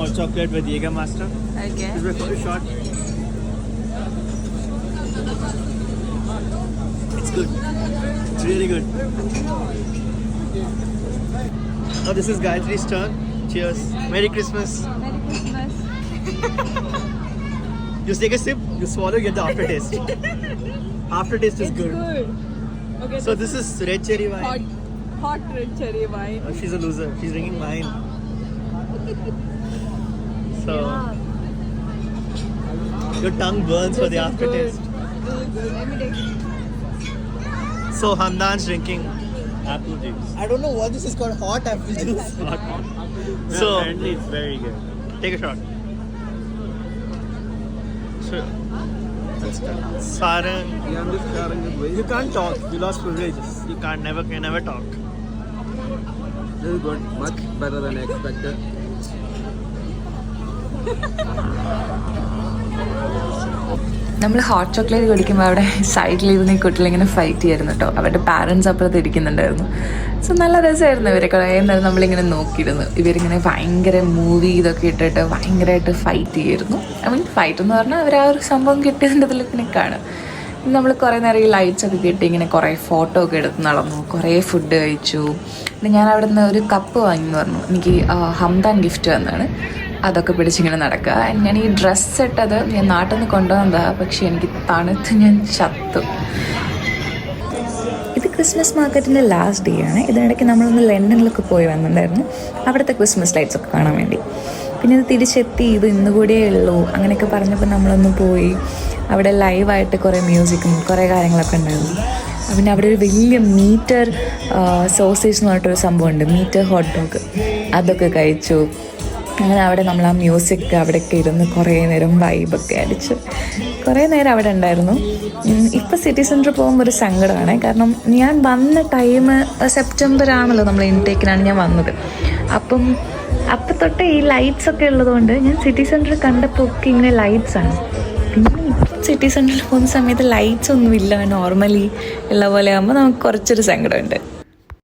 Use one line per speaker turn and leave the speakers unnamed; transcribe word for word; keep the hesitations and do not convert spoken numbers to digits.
hot chocolate with Jägermeister.
Okay.
This is my first shot. It's good. It's really good. Now this is Gayatri's turn. Cheers. Merry Christmas.
Merry Christmas.
You take a sip, you swallow, you get the aftertaste. Aftertaste is
It's
good.
good. Okay.
So this is red cherry wine.
hot, hot red cherry wine.
Oh, she's a loser. She's drinking wine. So
Yeah.
your tongue burns for
This
the
is
aftertaste.
good. This is good. Let me take it.
So Hamdan's drinking.
Apple juice.
I don't know what this is called. Hot apple juice.
So
Apparently it's very good.
take a shot. So, Sarang,
Yeah, I'm just sharing this way.
you can't talk. You lost privileges. You can't never can never talk.
This is good. Much better than expected.
നമ്മൾ hot chocolate കുടിക്കുമ്പോൾ അവിടെ സൈഡിലിരുന്ന് ഈ കുട്ടികളിങ്ങനെ fight ചെയ്യായിരുന്നു കേട്ടോ. അവരുടെ parents അപ്പുറത്ത് ഇരിക്കുന്നുണ്ടായിരുന്നു. So നല്ല രസമായിരുന്നു. ഇവരെ കുറേ നേരം നമ്മളിങ്ങനെ നോക്കിയിരുന്നു. ഇവരിങ്ങനെ ഭയങ്കര മൂവി ഇതൊക്കെ ഇട്ടിട്ട് ഭയങ്കരമായിട്ട് ഫൈറ്റ് ചെയ്യായിരുന്നു. ഐ മീൻ ഫൈറ്റ് എന്ന് പറഞ്ഞാൽ അവർ ആ ഒരു സംഭവം കിട്ടിയതിൻ്റെ ഇതിൽ ഇങ്ങനെ കാണും. നമ്മൾ കുറേ നേരം ഈ ലൈറ്റ്സ് ഒക്കെ കിട്ടി ഇങ്ങനെ കുറേ ഫോട്ടോ ഒക്കെ എടുത്ത് നടന്നു. കുറേ ഫുഡ് കഴിച്ചു. പിന്നെ ഞാൻ അവിടെ നിന്ന് ഒരു കപ്പ് വാങ്ങി പറഞ്ഞു. എനിക്ക് ഹംദാൻ ഗിഫ്റ്റ് വന്നതാണ്. അതൊക്കെ പിടിച്ചിങ്ങനെ നടക്കുക. ഞാൻ ഈ ഡ്രസ്സ് ഇട്ടത് ഞാൻ നാട്ടിൽ നിന്ന് കൊണ്ടുവന്നതാണ്. പക്ഷേ എനിക്ക് തണുത്ത് ഞാൻ ചത്തു. ഇത് ക്രിസ്മസ് മാർക്കറ്റിൻ്റെ ലാസ്റ്റ് ഡേ ആണ്. ഇതിനിടയ്ക്ക് നമ്മളൊന്ന് ലണ്ടനിലൊക്കെ പോയി വന്നിട്ടുണ്ടായിരുന്നു അവിടുത്തെ ക്രിസ്മസ് ലൈറ്റ്സ് ഒക്കെ കാണാൻ വേണ്ടി. പിന്നെ ഇത് തിരിച്ചെത്തി. ഇത് ഇന്നുകൂടിയേ ഉള്ളൂ അങ്ങനെയൊക്കെ പറഞ്ഞപ്പോൾ നമ്മളൊന്ന് പോയി. അവിടെ ലൈവായിട്ട് കുറേ മ്യൂസിക്കും കുറേ കാര്യങ്ങളൊക്കെ ഉണ്ടായിരുന്നു. പിന്നെ അവിടെ ഒരു വലിയ മീറ്റർ സോസേജ് എന്ന് പറഞ്ഞിട്ടൊരു സംഭവമുണ്ട്. മീറ്റർ ഹോട്ട് ഡോഗ് അതൊക്കെ കഴിച്ചു. അങ്ങനെ അവിടെ നമ്മൾ ആ മ്യൂസിക് അവിടെയൊക്കെ ഇരുന്ന് കുറേ നേരം വൈബൊക്കെ അടിച്ച് കുറേ നേരം അവിടെ ഉണ്ടായിരുന്നു. ഇപ്പോൾ സിറ്റി സെൻറ്ററിൽ പോകുമ്പോൾ ഒരു സങ്കടമാണ്. കാരണം ഞാൻ വന്ന ടൈം സെപ്റ്റംബർ ആണല്ലോ, നമ്മൾ ഇൻടേക്കിനാണ് ഞാൻ വന്നത്. അപ്പം അപ്പം തൊട്ട് ഈ ലൈറ്റ്സ് ഒക്കെ ഉള്ളതുകൊണ്ട് ഞാൻ സിറ്റി സെൻറ്ററിൽ കണ്ടപ്പോൾ ഒക്കെ ഇങ്ങനെ ലൈറ്റ്സാണ്. പിന്നെ ഇപ്പം സിറ്റി സെൻറ്ററിൽ പോകുന്ന സമയത്ത് ലൈറ്റ്സ് ഒന്നുമില്ല, നോർമലി ഉള്ള പോലെ ആകുമ്പോൾ നമുക്ക് കുറച്ചൊരു സങ്കടമുണ്ട്.